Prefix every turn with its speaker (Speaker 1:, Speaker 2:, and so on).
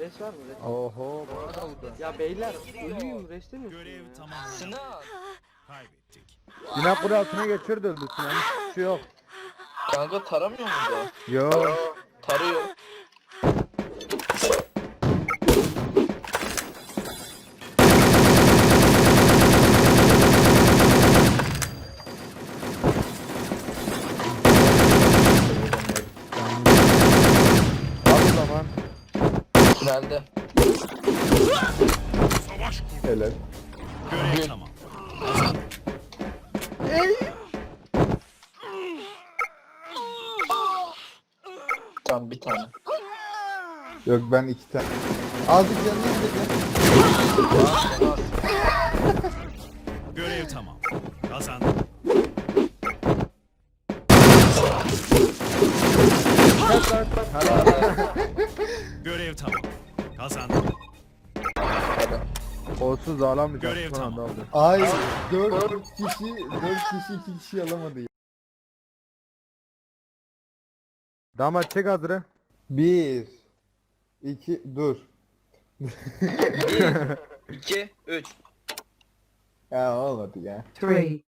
Speaker 1: Res var mı? Res.
Speaker 2: Oho bana da vurdu.
Speaker 1: Ya beyler ölüyüm reste mi?
Speaker 3: Görev tamam.
Speaker 4: Sinan.
Speaker 3: Kaybettik.
Speaker 2: Sinan kule altına geçirdi öldü Sinan. Hiçbir şey yok.
Speaker 4: Kanka taramıyor mu bu?
Speaker 2: Yo.
Speaker 4: Tarıyor.
Speaker 2: Al o zaman.
Speaker 4: Tünelde.
Speaker 3: Savaş kur.
Speaker 2: Helal.
Speaker 3: Görev tamam.
Speaker 4: Tam bir tane.
Speaker 2: Yok ben 2 tane. Azıcık yanına gideceğim.
Speaker 3: Görev tamam. Kazandık. Görev tamam. Kazandık.
Speaker 2: Olsuz alamayacak.
Speaker 3: Görev
Speaker 2: Son anda
Speaker 3: tamam.
Speaker 2: aldı.
Speaker 5: Ay 4 kişi 2 kişi alamadı ya.
Speaker 2: Damat çek hazırı.
Speaker 5: 1 2 dur.
Speaker 4: 1, 2, 3.
Speaker 5: Ya olmadı ya.
Speaker 6: 3,